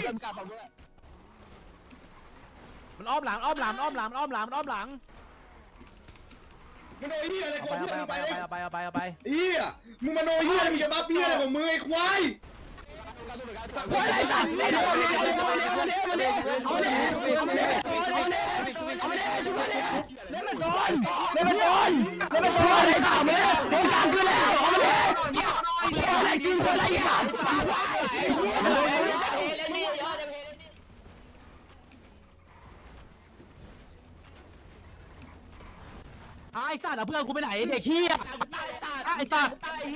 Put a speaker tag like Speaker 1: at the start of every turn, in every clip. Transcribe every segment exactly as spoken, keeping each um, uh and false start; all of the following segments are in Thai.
Speaker 1: มันอ้อมหลังอ้อมหลังอ้อมหลังอ้อมหลังอ้อมหลัง
Speaker 2: มึงโดนเฮียอะไรก
Speaker 1: เอา
Speaker 2: ดเพื่อน
Speaker 1: ไป
Speaker 2: ไป
Speaker 1: เอาไปเอาไปเอาไปเอาไป
Speaker 2: เฮียมึงมาโดนเฮียมึงจะบ้าเฮียอะไรของมึงไอ้ควาย
Speaker 1: ควายไอ้สัตว์ไอ้โดนไอ้โดนไอ้โดนไอ้โดนไอ้โดนเอาเลยเอาเลยเอาเลยเอาเลยช่วยเลยเล่นมันโดนเล่นมันโดนเล่นมันโดนไอ้สัตว์เลยโดนกลางขึ้นแล้วเอาเลยเอาอะไรกินคนไรสัตว์ตายไอ้สัตว์เอาเพื่อนกูไปไหนเด็กขี้อ่ะไอ้สัตว์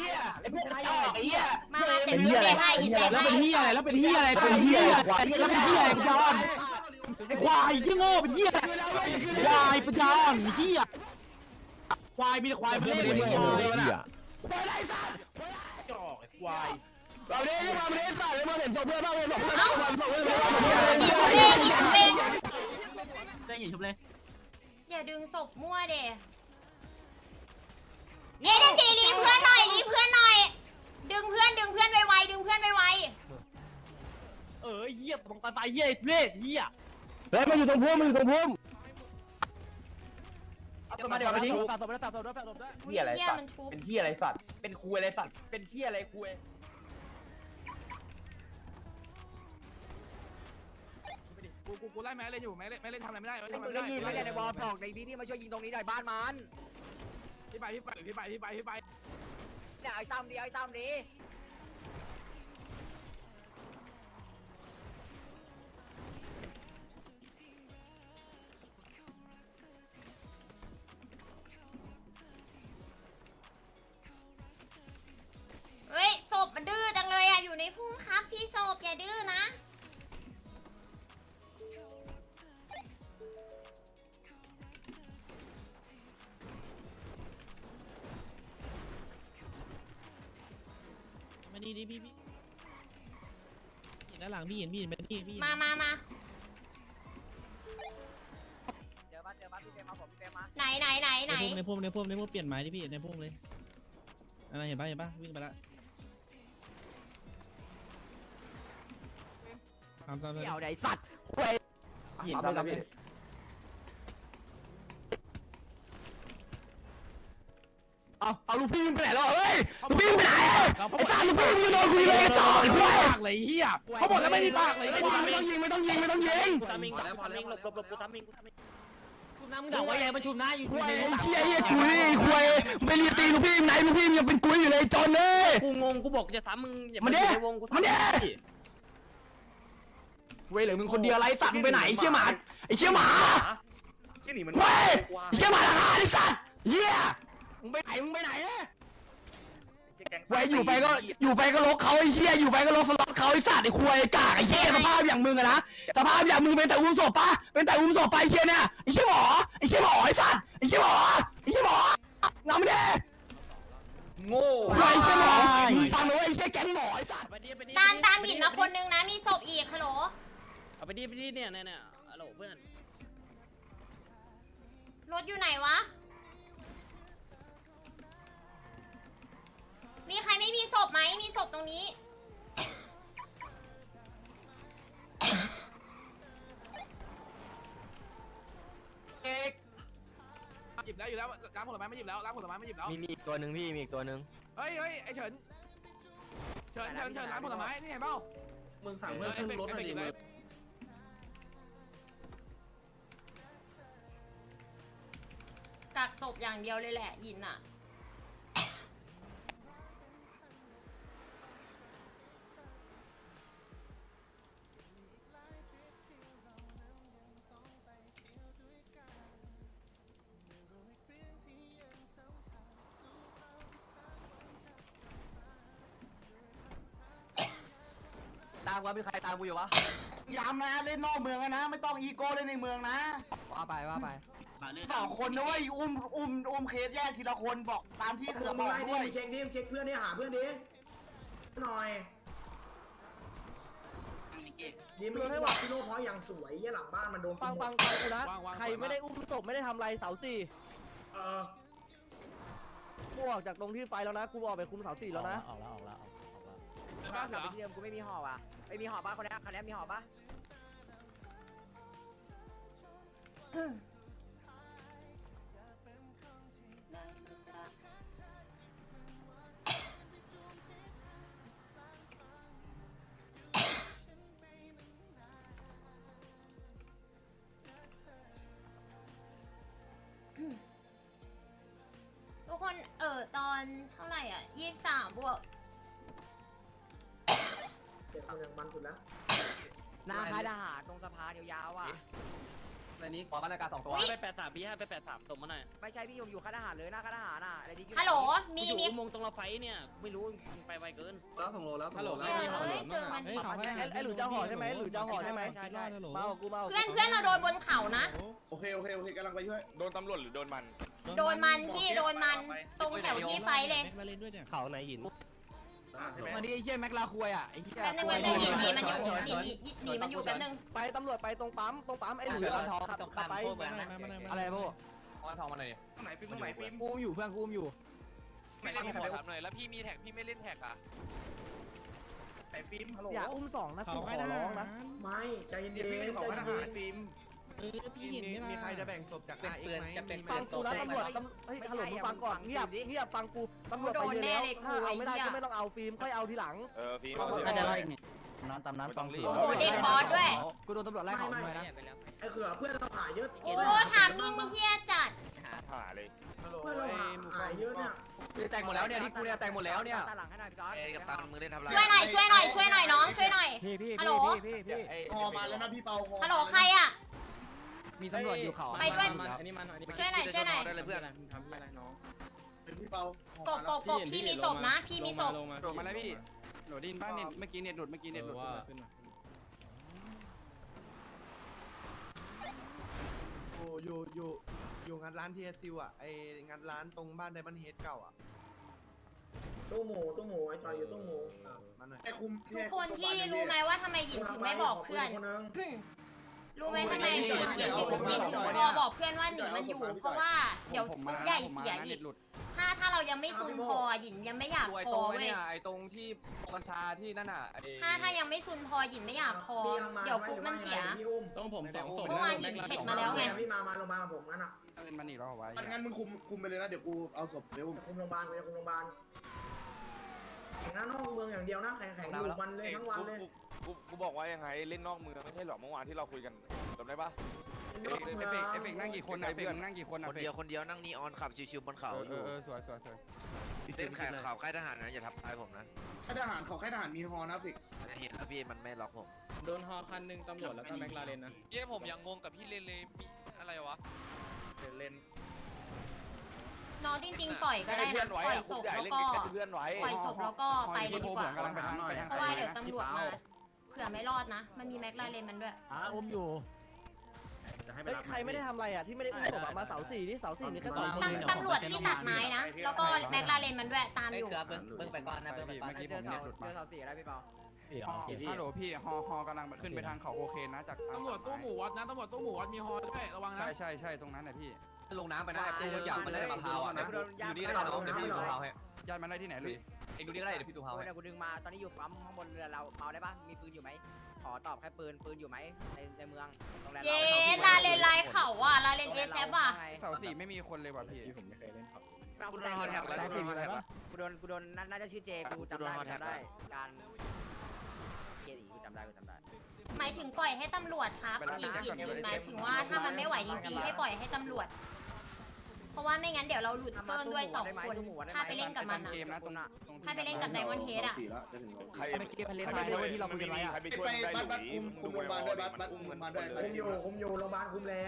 Speaker 3: มามาเต็มที่เลยให้ยินดี
Speaker 1: แล้ว
Speaker 3: ให้
Speaker 1: เป็นเฮียอะไรแล้วเป็นเฮียอะไรเป็นเฮียอะไรแล้วเป็นเฮียอะไรปัญญาอ่อนไอ้ควายที่โง่เป็นเฮียอะไรควายปัญญาอ่อนเฮียควายมีแต่ควายไม่ได้เลยควายควายไรสัตว์จ่อไอ้ควายเราเล่นมาเล่นสัตว์เลยมาเห็นศพเพื่อนบ้างเห็นศพเพื่อนบ้างศพเพื่อนบ้าง
Speaker 3: อีชุบเองอีชุบเอง
Speaker 1: ได้ไงชุบเลย
Speaker 3: อย่าดึงศพมั่วเด้เนี่ยดันดีรีเพื่อนหน่อยรีเพื่อนหน่อย ดึงเพื่อนดึงเพื่อนไวๆดึงเพื่อนไว
Speaker 1: เออเหี้ยบังตาตายเหี้ยเล่เหี้ยเฮ้ยมันอยู่ตรงพุ่มมันอยู่ตรงพุ่มเอามาเดี๋ยวมาทิ้งตัดศพได้ตัดศพได้ตัดศพได้
Speaker 3: ๆอุ้ยเหี้ยมันชุบ
Speaker 4: เป็นที่อะไรสัตว์เป็นคุยอะไรสัตว์เป็นที่อะไรคุย
Speaker 5: กูกูกูไล่แม่เล่นอยู่แม่เล่นแม่เล่นทำอะไรไม่ได้
Speaker 6: ไอ้มึงได้ยินไหมเนี่ยในวอลบอกในพี่พี่มาช่วยยิงตรงนี้หน่อยบ้านมัน
Speaker 5: พี่ไปพี่ไปพี่ไปพี่ไปพี่ไป
Speaker 6: เนี่ยไอ้ตั้มดีไอ้ตั้มดี
Speaker 3: เฮ้ยศพมันดื้อจังเลยอ่ะอยู่ในพุ่มครับพี่ศพอย่าดื้อนะ
Speaker 7: มานี่ดิพี่พี่เห็นด้านหลังพี่เห็นพี่เห็นไหมพี่พี่
Speaker 3: มามามา
Speaker 6: เจอบ้านเจอบ้านพี่เฟรมมาผมพี่เฟรมมา
Speaker 3: ไหนไหนไหนไหน
Speaker 7: ในพุ่มในพุ่มในพุ่มเปลี่ยนไม้ดิพี่ในพุ่มเลยอะไรเห็นปะเห็นปะวิ่งไปละทำตามเลย
Speaker 6: เดี่ยวไหนสัตว์
Speaker 4: หินทำแล้วพี่
Speaker 1: เอาเอาลูกพี่มึงไปไหนแล้วเฮ้ยลูกพี่มึงไปไหนไอ้สัตว์ลูกพี่มึงโดนกูยิงเลยจ่อไอ้ควาย
Speaker 5: ปากเลยเหี้ยเขาบอกแล้วไม่มีปากเลย
Speaker 1: ไม่ต้องยิงไม่ต้องยิงไม่ต้องยิง
Speaker 7: ทำมิงทำมิงหลบหลบหลบกูทำมิงกูทำมิงชุบน้ำมึงด่าว่ายังมาชุบน้าอยู่
Speaker 1: ควายไอ้เหี้ยเหี้ยกุยควายไปเรียตีลูกพี่ไหนลูกพี่ยังเป็นกุยอยู่เลยจนเลย
Speaker 7: กูงงกูบอกจะซ้ำมึง
Speaker 1: มันเด้
Speaker 7: ในวงกู
Speaker 1: มันเด้เว้ยเหลือมึงคนเดียวไรสัตว์มึงไปไหนไอ้เชี่ยหมาไอ้เชี่ยหมา
Speaker 5: ที่หนีมัน
Speaker 1: เว้ยไอ้เชี่ยหมาทหารไอ้สัตว์เหี้ยมึงไปไหนมึงไปไหนเว้ยอยู่ไปก็อยู่ไปก็ลกเขาไอ้เชี่ยอยู่ไปก็ลกสล็อตเขาไอ้สัตว์ไอ้ควายกากไอ้เชี่ยสภาพอย่างมึงอะนะสภาพอย่างมึงเป็นแต่อุ้มศพปะเป็นแต่อุ้มศพไปไอ้เชี่ยเนี่ยไอ้เชี่ยหมอไอ้เชี่ยหมอไอ้สัตว์ไอ้เชี่ยหมอไอ้เชี่ยหมอน้ำไม่ได้
Speaker 4: โง่
Speaker 1: ไอ้เชี่ยหมอฟังเลยไอ้เชี่ยแก๊งหมอไอ้สัตว์
Speaker 3: ตามตามหินมาคนนึงนะมีศพอีกฮัลโหล
Speaker 7: เอาไปดิไปดิเนี่ยเนี่ยเนี่ยฮัลโหลเพื่อน
Speaker 3: รถอยู่ไหนวะ มีใครไม่มีศพไหมมีศพตรงนี้
Speaker 5: หยิบได้แล้วอยู่แล้วร้านผลไม้ไม่หยิบแล้วร้านผลไม้ไม่หยิบแล้ว
Speaker 8: มีมีอีกตัวหนึ่งพี่มีอีกตัวหนึ่ง
Speaker 5: เฮ้ยเฮ้ยไอเฉินเฉินเฉินเฉินร้านผลไม้นี่เห็นเปล่า
Speaker 2: มึงสั่งเพื่อนขึ้นรถหน่อยดิมึง
Speaker 3: กักศพอย่างเดียวเลยแหละหยินอ่ะ
Speaker 1: ตามว่ามีใครตามกูอยู่วะย้ำนะเล่นนอกเมืองนะไม่ต้องอีโก้เล่นในเมืองนะว่าไปว่าไปสองคนนะเว้ยอุ้มอุ้มอุ้มเคสแยกทีละคนบอกตามที่
Speaker 2: มึ
Speaker 1: เขือ
Speaker 2: ง
Speaker 1: บอก
Speaker 2: ไล่ดิ
Speaker 1: ด้วย
Speaker 2: มึงเช็คดิมึงเช็คเพื่อนดิหาเพื่อนดิหน่อยดีไม่ให้ว่าพี่โน่เพราะอย่างสวยยี่หลังบ้านมันโดน
Speaker 1: ฟังฟังฟังกูนะใครไม่ได้อุ้มศพไม่ได้ทำอะไรเสาสี่
Speaker 2: เออ
Speaker 1: กูออกจากตรงที่ไฟแล้วนะกูออกไปคุมเสาสี่แล้วนะ
Speaker 7: ออกแล้วออกแล้วออกแล้ว
Speaker 5: เดี๋ยวบ้าน
Speaker 6: ก
Speaker 5: เหร
Speaker 6: ลับ
Speaker 5: อ
Speaker 6: ไปที่เดิมกูไม่มีห่อว่ะไม่มีห่อป่ะคนนี้คนนี้มีห่อป่ะ
Speaker 3: ทุกคนเออตอนเท่าไหร่อ่ะยี่สิบสามบวก
Speaker 2: เก็บคนอย่างมันสุดแล้ว
Speaker 6: หน้าค่ายทหารตรงสะพานยาวๆอ่ะ
Speaker 1: ในนี้ขอมาตรการสองตัว
Speaker 8: ไปแปดสามพี่ห้าไปแปดสามส่งมาหน่อย
Speaker 6: ไม่ใช่พี่ผมอยู่ค่ายทหารเลยหน้าค่ายทหารอ่ะอะไรดี
Speaker 3: ฮัลโหลมีมี
Speaker 8: มงตรงเราไฟเนี่ยไม่รู้ไปไวเกิน
Speaker 4: แล้วส่งโลแล้วส่งโล
Speaker 3: เฮ้ยเจอมันดิ
Speaker 1: ไอ้หลุยเจ้าห่อใช่ไหมหลุยเจ้าห่อใช่ไหม
Speaker 6: ใช่ใช่
Speaker 1: มากับกูมา
Speaker 3: เพื่อนเพื่อนเราโดนบนเขานะ
Speaker 5: โอเคโอเคโอเคกำลังไปช่วย
Speaker 9: โดนตำรวจหรือโดนมัน
Speaker 3: โดนมันพี่โดนมันตรงแถวที่ไฟเลย
Speaker 7: แม็กมาเล่นด้วยเนี่ย
Speaker 8: เขาไหนหิน
Speaker 1: วันนี้ไอ้เหี้ยแม็กลาควยอ่ะไอ้เหี้ย
Speaker 3: แป๊บนึงแป๊บนึงหนีหนีมันอยู่หนีหนีหนีมันอยู่แป๊บนึง
Speaker 1: ไปตำรวจไปตรงปั๊มตรงปั๊มไอ้หลุยร้านทองขับขับไป
Speaker 7: มาหน่อยมาหน่อยมาหน่อย
Speaker 1: อะไรพวก
Speaker 4: เอาทองมาหน่อยดิ
Speaker 5: ตรงไหนฟิล์มตรงไหนฟิล์ม
Speaker 1: กูอยู่เพื่อนกูอยู่
Speaker 9: ไม่เล่นขอถามหน่อยแล้วพี่มีแท็กพี่ไม่เล่นแท็กอ่ะ
Speaker 5: ไหนฟิล์มฮัลโหล
Speaker 1: อย่าอุ้มสองนะ
Speaker 7: เขา
Speaker 1: กูข
Speaker 7: ให้
Speaker 1: อ
Speaker 7: นะ
Speaker 1: ร้องนะ
Speaker 2: ไม่ใจเย็น
Speaker 5: เดี๋ยวฟิล์ม
Speaker 2: ๆ
Speaker 5: ข
Speaker 2: ใจ
Speaker 5: อท
Speaker 2: เย็
Speaker 5: หาร
Speaker 2: น
Speaker 5: ฟิล์ม
Speaker 7: เออพี่เห็นไหมล่ะ
Speaker 4: มีใครจะแบ่งศพจากอาเอ็กไหม
Speaker 1: ฟังกูนะตำรวจตำเฮ้ยฮัลโหลมึงฟังก่อนเงียบเงียบฟังกูตำรวจไปเยอะแล้วถ้าเอาไม่ได้ก็ไม่ต้องเอาฟิล์มค่อยเอาทีหลัง
Speaker 9: เออฟิล์ม
Speaker 1: น้ำตามน้ำฟัง
Speaker 3: โอ้โหเด็กบอสด้วย
Speaker 1: กูโดนตำรวจไล่เขาหน่อยนะ
Speaker 2: ไอ้เขือเพื่อนเราหายเยอะ
Speaker 3: โอ้ถามมิงเฮียจัด
Speaker 9: หาเลย
Speaker 2: เพื่อนเราหายเยอะเนี่ย
Speaker 1: แต่งหมดแล้วเนี่ยที่กูเนี่ยแต่งหมดแล้วเนี่ย
Speaker 6: ตาหลังให้หน่อยพี่ก๊อต
Speaker 9: เอ้กับตันมือเล่นทำไร
Speaker 3: ช่วยหน่อยช่วยหน่อยช่วยหน่อยน้องช่วยหน่อย
Speaker 8: พี่พี่
Speaker 3: ฮัลโหล
Speaker 8: พี่พี่
Speaker 2: พอมาแล้วนะพี่เปา
Speaker 3: ฮัลโหลใครอ่ะ
Speaker 1: มีตำรวจอยู่เขา
Speaker 3: ไปด้วย
Speaker 8: อันนี้มันอันนี้
Speaker 3: ช่วยหน่อยช่วยหน่อย
Speaker 9: ได้เลยเพื่อน
Speaker 8: ทำอะไรน้อง
Speaker 2: พี่เปาก
Speaker 3: บกบกบพี่มีศพนะ พี่มีศพ
Speaker 5: โดดมาแล้วพี่โดดดินบ้านเน็ตเมื่อกี้เน็ตหลุดเมื่อกี้เน็ตหลุดขึ้นมา
Speaker 4: โอ้อยู่อยู่อยู่งานร้านทีเอสซิวอ่ะไองานร้านตรงบ้านไดมอนด์เฮดเก่าอ่ะ
Speaker 2: ตู้หมูตู้หมูไอ้จอยอยู่ตู้หมู
Speaker 4: มาหน่อย
Speaker 2: ไอ้คุม
Speaker 3: ทุกคนที่รู้ไหมว่าทำไมหยินถึงไม่บอกเพื่อน
Speaker 2: คนนึง
Speaker 3: รู้ไหมทำไมหยินหยินหยินหยินถึงพอบอกเพื่อนว่าหนีมันอยู่ เพราะว่าเดี๋ยวใหญ่เสียอีกถ้าถ้าเรายังไม่ซุนพอหยินยังไม่อยาก
Speaker 4: ไอ้
Speaker 3: พ
Speaker 4: ตร
Speaker 3: อง
Speaker 4: ไอ้
Speaker 3: เว้ย
Speaker 4: เนี่ยไอ้ตรงที่กัญชาที่นั่นอ่ะไอ้
Speaker 3: ถ้าถ้ายังไม่ซุนพอหยินไม่อยากพอเดี๋ยวปุ๊บมันเสีย
Speaker 2: พี่อุ้ม
Speaker 7: ต้องผมสองศพ
Speaker 3: เมื่อวานหยินเข็ดมาแล้วไง
Speaker 2: พี่มามาโรงพยาบาลกับผมงั้นอ่ะ
Speaker 5: เงินมันอีกแล้วไว้
Speaker 2: งั้นมึงคุมคุมไปเลยนะเดี๋ยวกูเอาศพเดี๋ยวคุมโรงพยาบาลไปคุมโรงพยาบาลแข่งหน้านอกเมืองอย่างเดียวนะแข่งแข่งอยู่วันเลยทั้งวันเลย
Speaker 9: กูกูบอกว่ายังไงเล่นนอกเมืองไม่ใช่หรอเมื่อวานที่เราคุยกันจำได้ปะ
Speaker 5: เอฟเฟกเอฟเฟกนั่งกี่คนนะเอฟเฟกนั่งกี่คนนะ
Speaker 9: คนเดียวคนเดียวนั่งนีออนขับชิวๆบนเขา
Speaker 5: เออเออสวยสวยสวย
Speaker 9: เล่นแข่งข่าวค่ายทหารนะอย่าทับท้ายผมนะ
Speaker 2: ค่ายทหารเขาค่ายทหารมีฮอนะฟิก
Speaker 9: เห็นแล้วพี่มันไม่ล็อกผม
Speaker 8: โดนฮอคันหนึ่งตำรวจแล้วก็แม็กลาเรนนะ
Speaker 9: เย้ผมยังงงกับพี่เลนเลยมีอะไรวะเลน
Speaker 3: น้องจริงๆปล่อยก็ได้นะปล่อยศพแล้วก็
Speaker 9: เพื่อนไว้
Speaker 3: ปล่อยศพแล้วก็ไปเลยดีกว่า
Speaker 5: กำลังไปทางไปทาง
Speaker 3: เพราะว่าเดี๋ยวตำรวจมาเผื่อไม่รอดนะ มันมีแม็กลาเรนมันด้วย
Speaker 7: อ่าอมอยู่
Speaker 1: เฮ้ยใครไม่ได้ทำอะไรอ่ะที่ไม่ได้อุ้มศพมาเสาสี่ที่เสาสี่มีแค่สองคน
Speaker 3: ตำตำรวจที่ตัดไม้นะ แล้วก็แม็กลาเรนมันด้วยตามอยู่
Speaker 6: เบิ้งไปก่อนนะเบิ้งไปก่อนเจอเสาเจอเสาสี่ได้พี่เปา
Speaker 5: ฮัลโหลพี่ฮอฮอกำลังขึ้นไปทางเขาโอเคนะจากตำรวจตู้หมูวัดนะตำรวจตู้หมูวัดมีฮอด้วยระวังนะใช่ใช่ใช่ตรงนั้นนะพี่
Speaker 4: ลงน้ำไปนะไอ้กูอยากมันได้มะพร้าวอ่ะนะอยู่นี่ได้ป่ะน้องเดี๋ยวพี่มะพร้าวให้
Speaker 5: ญาติมันได้ที่ไหนเลย
Speaker 1: เอ็งดูนี่ก็ได้เดี๋ยวพี่ตูเฮา
Speaker 6: กูเนี่ยกูดึงมาตอนนี้อยู่ปั๊มข้างบนเรือเราเมาได้ปะมีปืนอยู่ไหมขอตอบแค่ปืนปืนอยู่ไหมในในเมืองโรงแรม
Speaker 3: เย้ลาเลนไลน์เขาอ่ะลาเลนเอแซอ่ะ
Speaker 5: เสาสี่ไม่มีคนเลยว่ะพี่
Speaker 8: ผมไม่เคยเล่นครับ
Speaker 6: กูโดนฮอแท็กแล้วกูโดนฮอแท็กกูโดนกูโดนน่าจะชื่อเจกูจำได้จำได้การเจดีกูจำได้กูจำได้
Speaker 3: หมายถึงปล่อยให้ตำรวจครับหยินหยินหยินหมายถึงว่าถ้ามันไม่ไหวจริงๆให้ปล่อยให้ตำรวจ เพราะว่าไม่งั้นเดี๋ยวเราหลุดเพิ่มด้วยสองคนถ้าไปเล่นกับมัน
Speaker 5: เกม
Speaker 3: อะ
Speaker 5: นะตรง
Speaker 3: ถ้าไปเล่นกับไดมอนเฮดอะ
Speaker 9: ใคร
Speaker 1: เกมทะเลทรายด้วยที่เราคุยกันไว้อะ
Speaker 9: ใครไปช่วยได้หรือคุมโรงพยาบาลด้วยบัสคุมมันด้วย
Speaker 2: คุมอยู่คุมอยู่โรงพยาบาลคุมแล้ว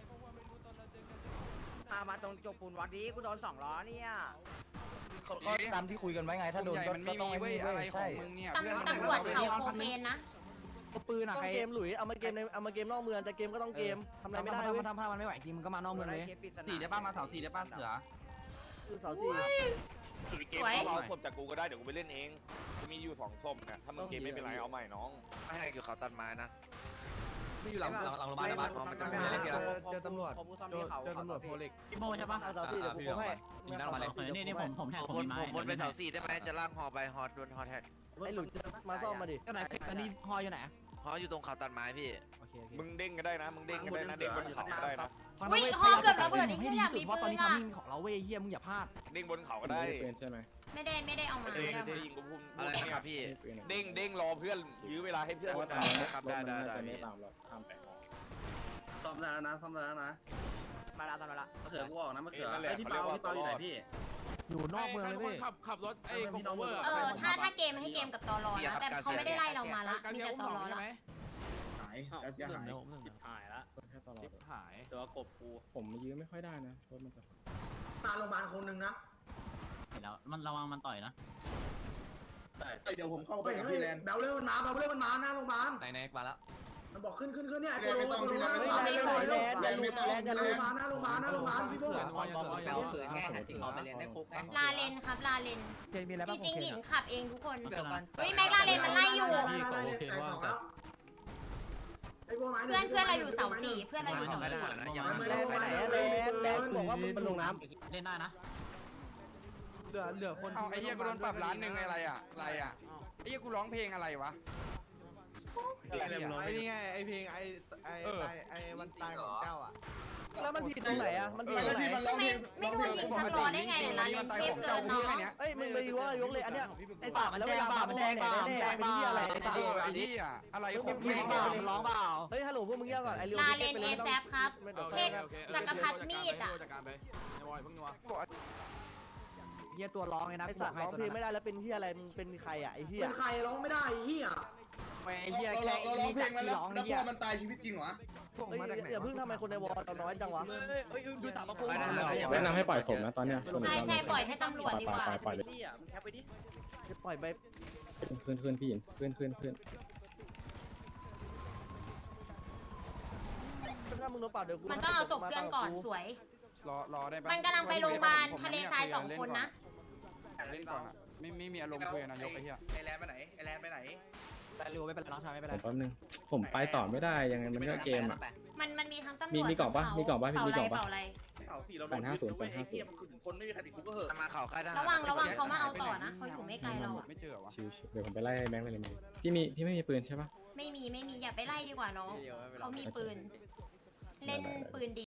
Speaker 6: พามาตรงจกปูนวัดนี้กูโดนสองล้อเนี่ย
Speaker 1: ก็ตามที่คุยกันไว้ไงถ้าโดน
Speaker 5: ใหญ่
Speaker 1: ก็
Speaker 5: มันไม่
Speaker 1: ต้อง
Speaker 5: มี
Speaker 1: ไอ้
Speaker 5: เว้ย
Speaker 1: นี่
Speaker 5: อะไร
Speaker 1: เว้ย
Speaker 5: ขอ
Speaker 1: ใช่
Speaker 5: งมึงเนี่ย
Speaker 3: ตำตำรวจเขาโคเคนนะ
Speaker 1: ก็ปืนอะ
Speaker 10: ต้อ
Speaker 1: ใครง
Speaker 10: เกมหลุยเอามาเกมในเอามาเกมนอกเมืองแต่เกมก็ต้องเกมทำอะไรไม่ได้
Speaker 1: ถ้า
Speaker 10: เว้ย
Speaker 1: ทำผ้ามันไม่ไหวจริงมันก็มานอกเมืองเลย
Speaker 6: สี่ได้ป้ามาเสาสี่ได้ป้าเสือ
Speaker 10: เสาสี่
Speaker 9: เกมเขาเอาศพจากกูก็ได้เดี๋ยวกูไปเล่นเองกูมีอยู่สองศพเนี่ยถ้ามึงเกมไม่เป็นไรเอาใหม่น้อง
Speaker 1: ไม่ให้อยู่เขาตัดไม้นะไม่อยู่หลังหลังหลังโรงพยาบาลนะบ้านมันจะไม่เล่นกัน
Speaker 4: เจอตำรวจเจอเจอตำรวจโพเล็ก
Speaker 7: พี่โมใช่ปะ
Speaker 10: เอาเสาสี่เดี๋ยวกูโค้งให้
Speaker 1: มีนั่งมาเลย
Speaker 7: นี่นี่ผมผมแท็กผมมีไม้
Speaker 1: วนไปเสาสี่ได้ไหมจะลากฮอไปฮอโดนฮอแท็ก
Speaker 10: ไอ้หลุยจะมาซ่อมมาดิ
Speaker 1: ก็ไหนอันนี้ฮออยู่ไหนฮออยู่ตรงเขาตัดไม้พี่โอเค
Speaker 9: มึงเด้งก็ได้นะมึงเด้งก็ได้นะเด้งบนเขาก็ได้นะ
Speaker 3: อุ้ยฮอเกือบระเบิดอีก
Speaker 1: ให้
Speaker 3: ที่
Speaker 1: ดี
Speaker 3: อยาก
Speaker 1: สุด
Speaker 3: มี
Speaker 1: เพราะต
Speaker 3: ปื
Speaker 1: อน
Speaker 3: น
Speaker 1: นี้
Speaker 3: อะ
Speaker 1: ทำมิ่งของเราเว้ยเฮียมึงอย่าพลาด
Speaker 9: เด้งบนเขาก็ได้
Speaker 8: เป็นใช่ไหม
Speaker 3: ไม่ได้ไม่ได้เอามา
Speaker 9: เด้
Speaker 3: ไม่
Speaker 9: ง
Speaker 3: ได้เอา
Speaker 9: เด้
Speaker 3: มาง
Speaker 9: ยิงกูพุ่ม
Speaker 1: อะไรนะครับพี่
Speaker 9: เด้งเด้งรอเพื่อนยื้อเวลาให้เพื่อน
Speaker 1: ครับได้ได้ได้
Speaker 8: ไม่ตามเราข้ามไป
Speaker 10: ซ่อมได้แล้วนะซ่อมได้แล้วนะ
Speaker 6: มาละตอนมาละ
Speaker 10: มะเขือกูออกนะมะเขือ
Speaker 9: นั่นแหละเขาเรียกว่าตลอด
Speaker 7: อยู่นอกเมืองเลยพี่
Speaker 8: ขับขับรถไอ้คอมโอเวอร์
Speaker 3: เออถ้าถ้าเกมให้เกมกับตอรอนะแต่เขาไม่ได้ไล่เรามาละมีแต่ตอรอละ
Speaker 2: หายการเสียหาย
Speaker 8: จิบหายละแค่ตลอด
Speaker 5: จิบหาย
Speaker 8: ตัวกบกูผมยื้อไม่ค่อยได้นะรถมันจะ
Speaker 2: มาโรงพยาบาลคนหนึ่งนะ
Speaker 7: แล้วมันระวังมันต่อยนะ
Speaker 2: เดี๋ยวผมเข้าไปกับพี่แลนเบลเล่มันมาเบลเล่มันมาหน้าโรงพยาบาล
Speaker 1: ไหนไหนมาแล้ว
Speaker 2: มันบอกขึ้นขึ้นขึ้นเนี่ยไอ้โคโรโคโรหน้าโรงพยาบาลเลยเลยแลนไม่ต้องแลนมาหน้าโรงพยาบาลหน้าโรงพยาบาลพี่โบ้
Speaker 6: ไปเรียนได้คุกไง
Speaker 3: ลาเลนครับลาเลน
Speaker 7: เจมีอะไร
Speaker 3: จ
Speaker 7: บ้าง
Speaker 3: ริงๆหยิน
Speaker 7: โอเค
Speaker 3: ขับเองทุกคน
Speaker 6: เดี๋ยวกัน
Speaker 3: เฮ้ยแม็กลาเลนมันไล่อยู่
Speaker 2: แต่ของแล้วไอ้โบ้ไม้
Speaker 3: เพื่อนเพื่อนเราอยู่เสาสี่เพื่อนเราอยู่เสาสี่
Speaker 10: แลนไปไหนแลนแลนบอกว่ามึงมันลงน้ำ
Speaker 7: เล่นได้นะ
Speaker 4: เหลือเหลือคน
Speaker 5: เอาไอ้เหี้ยกูโดนปรับล้านหนึ่งอะไรอ่ะอะไรอ่ะไอ้เหี้ยกูร้องเพลงอะไรวะ
Speaker 4: ไอ้นี่ไงไอ้เพลงไอ้ไอ้ไอ้ไอ้วันตายของเจ้าอ่ะ
Speaker 10: แล้วมันผิดตรงไหนอ่ะมันผิดตรงไหน
Speaker 3: ไม่ไม่โดนยิงสักล้อได้ไงลาเลนเทพเกินเนาะ
Speaker 10: เอ้ยมึงไปยกยกเลยอันเนี้ยไอ้
Speaker 1: ป่ามันแจ้งป่ามันแจ้งป่ามันแจ้งป่า
Speaker 10: อะไร
Speaker 5: ไอ้นี่อ่ะอะไรของ
Speaker 1: มึ
Speaker 5: มึ
Speaker 1: ง
Speaker 5: ง
Speaker 1: เปล่ามึงร้องเปล่า
Speaker 10: เฮ้ยฮัลโหลพวกมึงเงียบก่อนไอ้เรื่อง
Speaker 3: ลาเลนเอแซฟครับเทพจักรพรรดิมีดอ่ะ
Speaker 8: จัดการไปในวอยเพิ่งนัว
Speaker 1: เฮียตัวร้องเลยนะ
Speaker 10: ไอ้สัตว์ร้องเพลงไม่ได้แล้วเป็นที่อะไรมึงเป็นใครอ่ะไอ้เหี้ย
Speaker 2: เป็นใครร้องไม่ได้เฮีย
Speaker 1: ไอ้เฮียแค่ไอ้นี่จากที่ร้องเฮีย
Speaker 2: มันตายชีวิตจริงเหรอ
Speaker 4: ส่งมาจากไหน
Speaker 10: อย่าเพิ่งทำไมคนในวอลเราน้อยจังวะ
Speaker 6: ดูสามพ
Speaker 8: แนะนำให้ปล่อยผมนะตอนเนี้ย
Speaker 3: ใช่ใช่ปล่อยให้ตำรวจดีกว่า
Speaker 8: ปล่อยเลย
Speaker 10: จะปล่อยไป
Speaker 8: ขึ้นขึ้นพี่ขึ้นขึ้นขึ้น
Speaker 10: ถ้ามึงโดนปรับเดี๋ยวกู
Speaker 3: มันต้องเอาศพเพื่อนก่อนสวย
Speaker 5: รอรอได้ปะ
Speaker 3: มันกำลังไปโรงพยาบาลทะเลทรายสองคนนะ
Speaker 5: เล่นก่อนอ่ะไม่ไม่มีอารมณ์คุยกับนายกไอ้เหี้ย
Speaker 1: ไอ้แลนไปไหนไอ้แลนไปไหนแลนเร็วไม่เป็นไรน้องชายไม่เป็นไร
Speaker 8: แป๊บนึงผมไปต่อไม่ได้ยังไงมันก็เกมอ่ะ
Speaker 3: มันมันมีทั้งตำรวจ
Speaker 8: มีมีกล่องปะมีกล่องปะพี่มีกล่องปะ
Speaker 3: เป่าอะไร
Speaker 8: แปดห้าศูนย์แปดห้าศูนย์
Speaker 1: คนไม่มีใครติดคุกก็เหอะมาข่าวค่ายทหาร
Speaker 3: ระวังระวังเขามาเอาต่อนะเขาอยู่ไม่ไกลเราอะ
Speaker 5: ไม่เจอวะ
Speaker 8: ชิวๆเดี๋ยวผมไปไล่แบงค์เลยพี่มีพี่ไม่มีปืนใช่ปะ
Speaker 3: ไม่มีไม่มีอย่าไปไล่ดีกว่าน้องเขามีปืน เล่นปืนดี